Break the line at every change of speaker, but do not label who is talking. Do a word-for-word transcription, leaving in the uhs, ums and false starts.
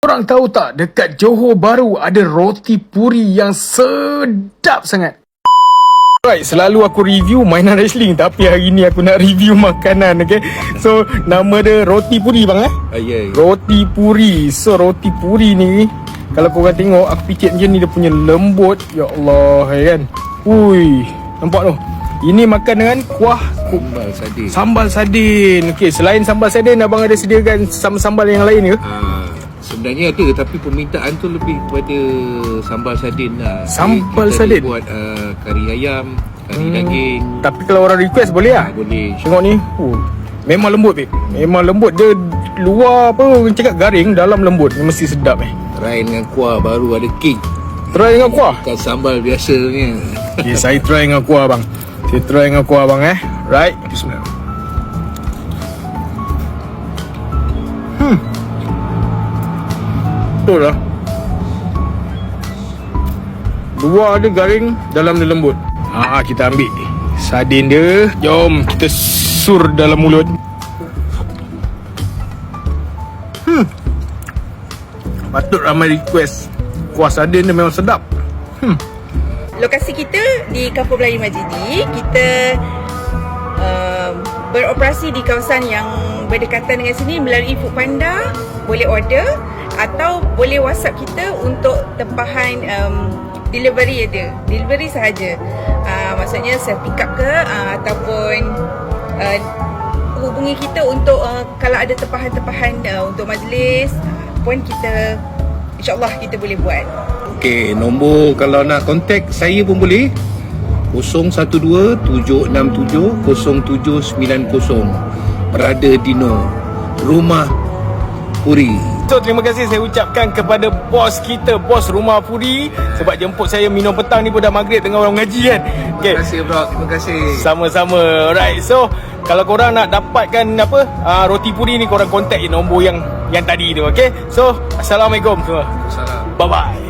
Korang tahu tak, dekat Johor Bahru ada roti puri yang sedap sangat. Right, selalu aku review mainan wrestling, tapi hari ni aku nak review makanan, okay? So, nama dia roti puri bang eh?
Ah, yeah, yeah.
Roti puri. So, roti puri ni, kalau korang tengok, aku fikir macam ni dia punya lembut. Ya Allah, ya kan? Ui, nampak tu? Ini makan dengan kuah
Sambal sardin.
Sambal sardin. Okey, selain sambal sardin, abang ada sediakan sambal-sambal yang lain ke?
Ah, sebenarnya ada, tapi permintaan tu lebih kepada sambal sardin lah.
Sambal
Kita
sardin?
buat uh, kari ayam, kari hmm. daging.
Tapi kalau orang request boleh lah?
Ah, boleh.
Tengok ni. Uh, memang lembut, babe. Memang lembut. Dia luar apa, orang cakap garing, dalam lembut. Dia mesti sedap eh.
Try dengan kuah baru ada king.
Try dengan kuah?
Bukan sambal biasa punya.
Okay, saya try dengan kuah bang. Saya try dengan kuah bang eh. Right. Bismillah. Hmm. Betul lah. Luar dia garing, dalam dia lembut. Haa, kita ambil sardin dia. Jom kita sur dalam mulut. Hmm. Patut ramai request. Kuah sardin dia memang sedap. Hmm.
Lokasi kita di Kampung Melayu Majidi. Kita uh, beroperasi di kawasan yang berdekatan dengan sini melalui Foodpanda. Boleh order atau boleh WhatsApp kita untuk tempahan um, delivery ada. Delivery sahaja. Uh, maksudnya self pick up ke uh, ataupun uh, hubungi kita untuk uh, kalau ada tempahan-tempahan uh, untuk majlis pun kita insya-Allah kita boleh buat.
Okey, nombor kalau nak contact saya pun boleh. kosong satu dua tujuh enam tujuh kosong tujuh sembilan kosong. Berada Dino, Rumah Puri.
So, terima kasih saya ucapkan kepada bos kita, bos Rumah Puri, sebab jemput saya minum petang ni pun dah maghrib tengah orang mengaji kan. Okay.
Terima kasih bro, terima kasih.
Sama-sama. Alright. So, kalau korang nak dapatkan apa uh, roti puri ni, korang contact je nombor yang yang tadi tu, okay? So, Assalamualaikum semua.
Salam.
Bye-bye.